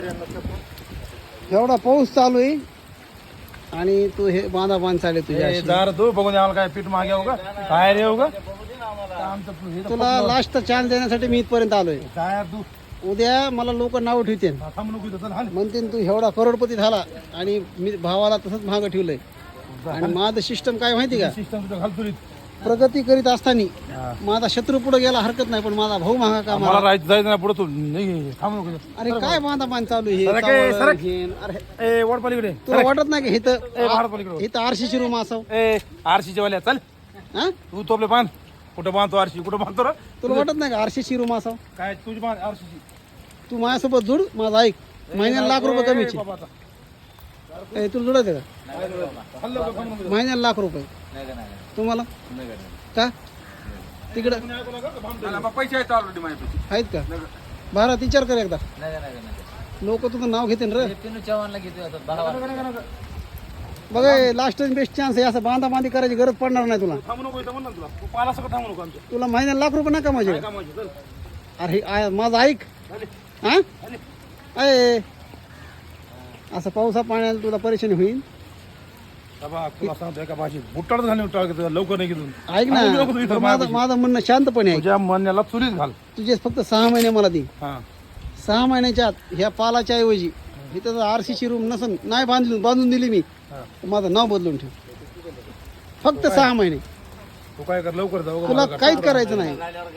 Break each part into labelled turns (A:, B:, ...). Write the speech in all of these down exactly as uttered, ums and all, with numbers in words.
A: एवढा पाऊस चालू आहे आणि तू हे बांधा बांध चालले तुझ्या
B: ए, जरा तू बघून आम्हाला काय पीठ मागे येऊ का काय रे येऊ का आमचं तू हे तर
A: तुला लास्ट चान्स देण्यासाठी मी इथपर्यंत आलोय.
B: काय तू
A: उद्या मला लोक नाव ठेवतील,
B: थांबू नको इथं, चल हाल.
A: म्हणतील तू एवढा करोडपती झाला आणि मी भावाला तसंच महाग ठेवलंय. आणि माझं सिस्टम काय माहिती का,
B: सिस्टम तुझं घाल तुरीत.
A: प्रगती करीत असताना
B: हा.
A: माझा शत्रू पुढे गेला हरकत नाही, पण माझा भाऊ महागा का
B: मला राहायचं जायचं ना पुढे तू नाही थांबू नको इथं.
A: अरे काय बांधा बांध चालू आहे हे,
B: सरक ए,
A: चावलं,
B: सरक.
A: घेन. अरे
B: ए वड पलीकडे
A: तुला वाटत नाही का
B: ए,
A: इथं
B: बाहेर पलीकडे
A: इथं आरशीची रूम असावं?
B: ए आरशीच्या वाल्या चल
A: हा
B: तू तो आपले बांध कुठं बांधतो आरशी कुठं बांधतो रे
A: तुला वाटत नाही का आरशीची रूम असावं?
B: काय तुझी बांध आरशीची
A: तू माझ्यासोबत जुड, माझा ऐक, महिन्याला लाख रुपये कमीचे.
B: बाबा आता.
A: ए, तुला जुडायचं का
B: हल्लं का थांबू नको.
A: महिन्याला लाख रुपये? तुम्हाला का तिकडं
B: मला बा पैसे आहेत ऑलरेडी माझ्यापाशी.
A: आहेत का? भारत विचार कर एकदा, लोक तुझं नाव घेते रे. बघा लास्ट बेस्ट चान्स आहे, असं बांधा बांधी करायची गरज पडणार नाही तुला.
B: थांबू नको इथं म्हण ना तुला तू पाला सगळं थांबू नको आमच्या
A: तुला महिन्याला लाख रुपये नका माझे.
B: काय कामाची चल
A: अरे हे आ- माझं ऐक
B: चालेल.
A: हा अय असं पावसा पाण्याला तुला परेशानी होईल.
B: बाबा तुला सांगतो एका भाषेत बुट्टाळच घालून टाकतो लवकर नाही घेऊन
A: ऐक ना,
B: थांबू नको तू इथं
A: माझं
B: माझ्यापाशी.
A: माझं म्हणणं शांतपणे ऐक.
B: तुझ्या मनाला चुलीत घाल
A: तुझे फक्त सहा महिने मला दे.
B: हा
A: सहा महिन्याच्या आत ह्या पालाच्या ऐवजी इथं जर आरसीची रूम नसन नाही बांधली बांधून दिली मी,
B: हा.
A: तर माझं नाव बदलून ठेव. फक्त सहा महिने,
B: तू काय कर लवकर जाऊ
A: तुला काहीच करायचं नाही.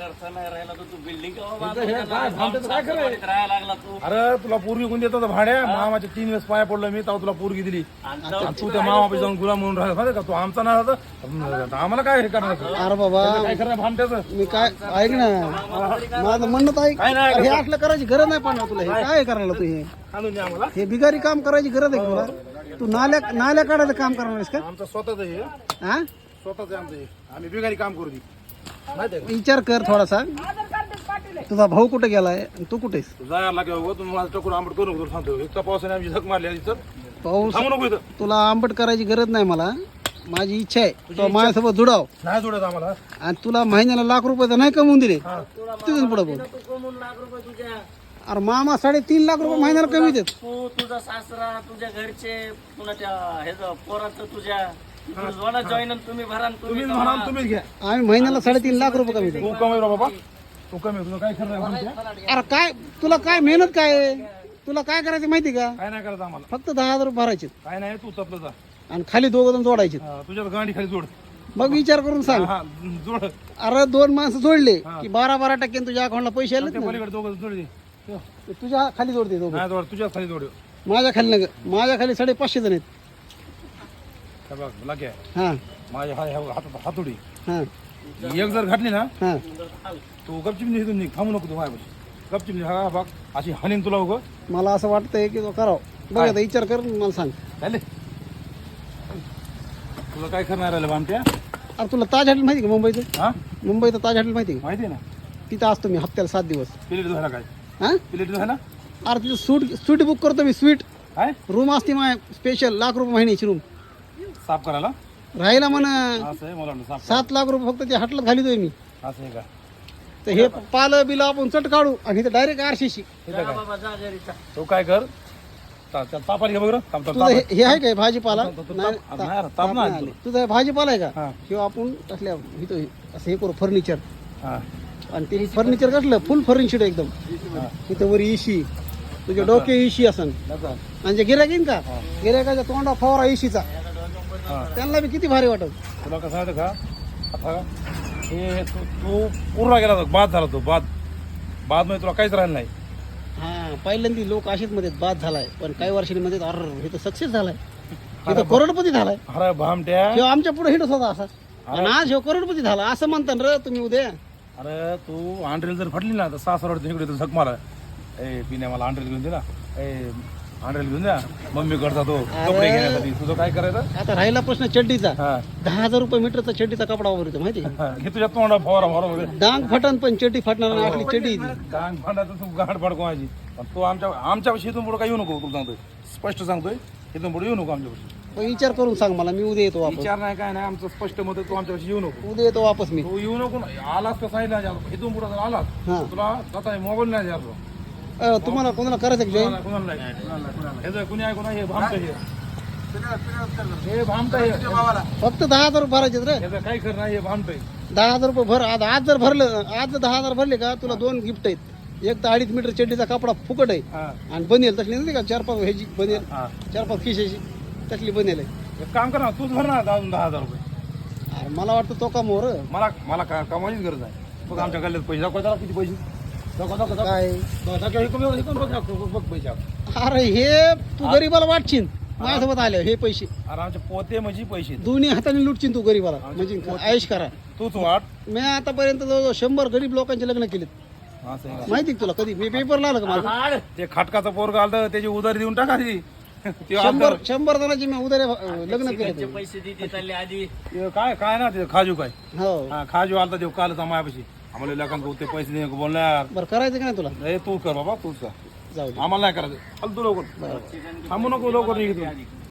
B: अरे तुला पोरगी कोण देतो भाड्या मामाच्या तीन वेळेस पाया पडलो मी तेव्हा तुला पोरगी दिली. तू त्या मामापाशी जाऊन गुलाम म्हणून राहिला माहिती का तू आमचा ना राहता आम्हाला काय हे करणार तू?
A: अरे बाबा
B: काय करणार भामट्याचं
A: मी काय ऐक ना, माझं म्हणणं तर ऐक.
B: काय नाही
A: हे असलं करायची गरज नाही पडणार तुला. हे काय करायला तू हे
B: आणून द्या आम्हाला
A: हे बिगारी काम करायची गरज आहे का तुला? तू नाल्या नाल्या काढायचं काम करणार आहेस का?
B: आमचं स्वतःच हे
A: हा
B: स्वतःच आहे आमचं हे आम्ही बिगारी काम करू दे माहिती आहे
A: विचार कर थोडासा. तुझा भाऊ कुठे गेलाय आणि तू कुठेस?
B: का जायला लागेल बघ तुम्ही माझं टकून आंबट करू नको सांगतो एक पावसाने आमची झक मारली इथं
A: पाऊस
B: थांबू नको इथं
A: तुला आंबट करायची गरज नाही मला. माझी इच्छा आहे तो माझ्यासोबत जुडाव
B: नाही जोडत आम्हाला
A: आणि तुला महिन्याला लाख रुपये तर नाही कमवून दिले
B: हा.
A: तिथून पुढे बोल. अरे मामा साडेतीन लाख रुपये महिन्याला कमी देत.
C: तू तुझा सासरा तुझ्या घरचे पुन्हा त्या ह्याचं पोराचं तुझ्या जॉईन तुम्ही भरा आणि तुम्ही
B: तुम्हीच म्हणा तुम्हीच घ्या
A: आम्ही महिन्याला साडेतीन लाख रुपये कमी देतो.
B: तू कमी रे बाबा तू कमी तुझं काय खरं नाही आमच्या
A: अरे काय तुला काय मेहनत काय आहे? तुला काय करायचं माहिती का?
B: काय नाही करायचं आम्हाला
A: फक्त दहा हजार रुपये भरायचे
B: काय नाही तू तपलं जा
A: आणि खाली दोघं जण जोडायचे.
B: हा, तुझ्या गांडी खाली जोड
A: मग विचार करून सांग.
B: हा जोड
A: अरे दोन माणसं जोडले की बारा बारा टक्के तुझ्या अकाउंटला पैसे आले
B: त्या पलीकडे दोघं जोड दे हो.
A: तुझ्या खाली जोडते दोघं.
B: नाही जोड तुझ्या खाली जोड
A: माझ्या खाली नग माझ्या खाली साडे पाचशे जण आहेत.
B: हे बघ लागे
A: हा
B: माझ्या हाय हातात हातोडी
A: हा
B: एक जर घातली ना
A: हा
B: तू गपचिप निघून निघ थांबू नको तू माझ्यापाशी गपचिप निघ हा बघ अशी हनीन तुला उगं
A: मला असं वाटतंय की तो करावं. बघ आता विचार कर मला सांग.
B: चालेल तुला काय करणार राहिलं बामट्या
A: अरे तुला ताज हॉटेल माहिती का मुंबईचं?
B: हा
A: मुंबईचं ताज हॉटेल माहिती का?
B: माहिती आहे ना
A: तिथं असतो मी हप्त्याला सात दिवस.
B: प्लेट धुवायला काय
A: हा
B: प्लेट धुवायला
A: अरे तिथं सूट स्वीट बुक करतो मी. स्वीट
B: काय
A: रूम असते माय स्पेशल लाख रुपये महिन्याची रूम.
B: साफ करायला
A: राहायला म्हणा
B: असं आहे मला वाटलं साफ
A: सात लाख रुपये फक्त ते हॉटेलात घालितोय मी.
B: असं आहे का
A: तर हे पालं बिलं आपण चट काढू आणि इथं डायरेक्ट आरशीशी.
B: इथं काय
C: बाबा जा घरी जा.
B: तू काय कर ता- त्या तापाला घे बघ रे. ताप- ताप-
A: तुझं हे हे आहे काय भाजीपाला?
B: ताप- ताप-
A: नाही,
B: ताप-
A: ताप-
B: नाही रे,
A: ताप
B: ताप नाही
A: नाही आले. तुझं हे भाजीपाला आहे का?
B: हा.
A: किंवा आपण असल्या इथं हे- असं हे करू फर्निचर.
B: हा
A: आणि ते फर्निचर कसलं फुल फर्निचर एकदम.
B: हा.
A: इथं वर इशी तुझे डोके इशी असन
B: नका.
A: आणि जे गिऱ्हाईक येईन का गिऱ्हाईकाच्या तोंडा फवारा इशीचा
B: हा
A: त्यांना बी किती भारी वाटत.
B: तुला कसं आहे का आता हे तू तू पूर्ण गेला होता बाद झाला तो बाद बाद मध्ये तुला काहीच राहिलं नाही
A: हा पहिल्यांदा लोक असेच मध्ये बाद झालाय, पण काही वर्षांमध्ये अर हे तर सक्सेस झालाय. हे तर करोडपती झालाय.
B: अरे भामट्या
A: ह्यो आमच्या पुढे हिटच होता असा आणि आज ह्यो करोडपती झाला असं म्हणता ना रे तुम्ही उद्या.
B: अरे तू आंड्रेल जर फटली ना तर सासर वाटतं इकडे तर झक मारा ए पिण्या मला आंड्रेल घेऊन दे ना ए आंड्रेल घेऊन द्या मम्मी करता तो कपडे घेण्यासाठी तुझं काय करायचं
A: आता राहिला प्रश्न चड्डीचा.
B: हा
A: दहा हजार रुपये मीटरचा चड्डीचा कपडा वापरतो माहिती आहे का?
B: हा, हे तुझ्या तोंडा फवारा फवारा वगैरे
A: डांग फटन पण चड्डी फाटणार नाही आपली चड्डी आहे ती.
B: गाण भांडायचं तू गाठ फाड कोणाची पण तू आमच्या आमच्यापाशी इथून पुढे काय येऊ नको तुला सांगतोय स्पष्ट सांगतोय इथून पुढे येऊ नको आमच्यापाशी.
A: पण विचार करून सांग मला, मी उद्या येतो वापस.
B: विचार नाही काय नाही आमचं स्पष्ट मत आहे, तू आमच्यापाशी येऊ नको
A: उद्या येतो वापस मी.
B: तू येऊ नको आलास तर सांगितलं इथून पुढे जर आलास
A: हा
B: तुला आता मोबाईल नाही द्यायचो
A: अ, तुम्हाला कोणाला करायचं जॉईन
B: कोणाला कोणाला नाही, कोणाला कोणाला ह्याचं कुणी आहे कोणा हे भामटं हे हे भामटं हे
A: फक्त दहा हजार रुपये भरायचे रे
B: ह्याचं काही खरं नाही हे भामटं आहे.
A: दहा हजार रुपये भर आज आज जर भरलं आज जर दहा हजार भरले का तुला दोन गिफ्ट आहेत एक तर अडीच मीटर चड्डीचा कपडा फुकट आहे
B: हा
A: आणि बनेल तसली नाही का चार पाच ह्याची बनेल
B: हा
A: चार पाच खिशाची तसली बनेल आहे
B: एक काम कर ना तूच भर ना अजून दहा हजार रुपये
A: अरे मला वाटतं तो का मोर
B: मला मला का कमाईच गरज आहे बघ आमच्या गल्ल्यात पैसे दाखव जरा किती पैसे दाखव दाखव दाखव
A: काय
B: दाखव हे कमी हे कमी बघ दाखव, बघ पैसे आपण.
A: अरे हे तू गरीबाला वाटशील माझ्यासोबत आले हे पैसे
B: अरे आमचे पोते म्हणजे पैसे
A: दोन्ही हाताने लुटशील तू गरीबाला म्हणजे आयुष करा
B: तूच वाट
A: मी आतापर्यंत जवळजवळ शंभर गरीब लोकांचे लग्न केलेत
B: असं आहे का?
A: माहिती आहे का तुला कधी मी पेपरला आलं का माझं
C: हाड.
B: ते खाटकाचं पोरग आलं त्याची उधारी देऊन टाकायची ते
A: शंभर
B: आलं.
A: शंभर जणांची मी उद्या लग्न
C: घरचे
A: केले
C: पैसे देते चालले आधी
B: ते काय काय ना ते खाजू काय
A: हो
B: हा खाजू आलता ते कालच मायापाशी आम्हाला लोकांना ते पैसे नाही बोलणार
A: बरं करायचं का नाही तुला
B: ए तू कर बाबा तूच कर
A: जाऊ दे
B: आम्हाला नाही करायचं चाल तू लवकर थांबू नको लवकर निघतो